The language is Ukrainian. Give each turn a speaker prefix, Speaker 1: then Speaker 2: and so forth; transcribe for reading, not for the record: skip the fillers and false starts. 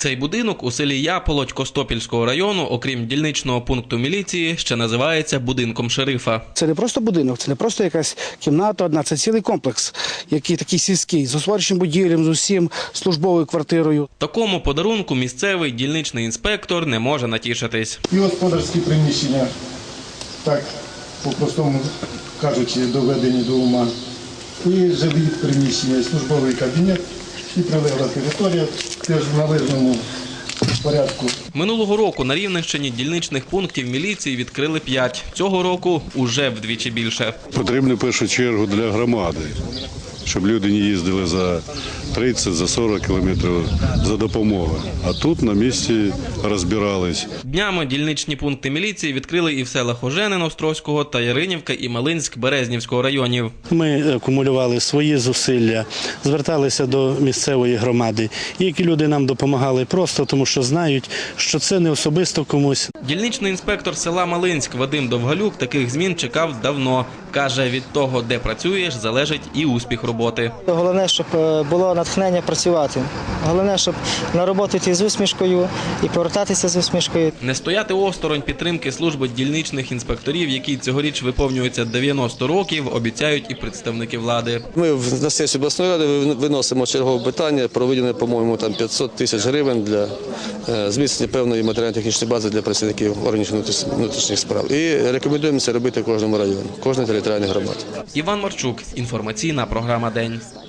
Speaker 1: Цей будинок у селі Яполоть Костопільського району, окрім дільничного пункту міліції, ще називається будинком шерифа.
Speaker 2: Це не просто будинок, це не просто якась кімната одна, це цілий комплекс, який такий сільський, з освіченим будівлям, з усім, службовою квартирою.
Speaker 1: Такому подарунку місцевий дільничний інспектор не може натішитись.
Speaker 3: І господарські приміщення, так по-простому кажучи, доведені до ума. І жилі приміщення, і службовий кабінет, і прилегла територія теж в належному порядку.
Speaker 1: Минулого року на Рівненщині дільничних пунктів міліції відкрили 5. Цього року уже вдвічі більше.
Speaker 4: Потрібно в першу чергу для громади, щоб люди не їздили за 30, за 40 кілометрів за допомогою. А тут на місці розбирались.
Speaker 1: Днями дільничні пункти міліції відкрили і в селах Оженин Острозького та Яринівка і Малинськ Березнівського районів.
Speaker 5: Ми акумулювали свої зусилля, зверталися до місцевої громади. І які люди нам допомагали просто, тому що знають, що це не особисто комусь.
Speaker 1: Дільничний інспектор села Малинськ Вадим Довгалюк таких змін чекав давно. Каже, від того, де працюєш, залежить і успіх роботи.
Speaker 6: Головне, щоб було натхнення працювати. Головне, щоб на роботу йти з усмішкою і повертатися з усмішкою.
Speaker 1: Не стояти осторонь підтримки служби дільничних інспекторів, якій цьогоріч виповнюється 90 років, обіцяють і представники влади.
Speaker 7: Ми на сесію обласної ради виносимо чергове питання про виділення, по-моєму, 500 тисяч гривень для зміцнення певної матеріально-технічної бази для працівників органів внутрішніх справ. І рекомендуємо це робити кожному району, кожній територіальній громаді.
Speaker 1: Іван Марчук, інформаційна програма «День».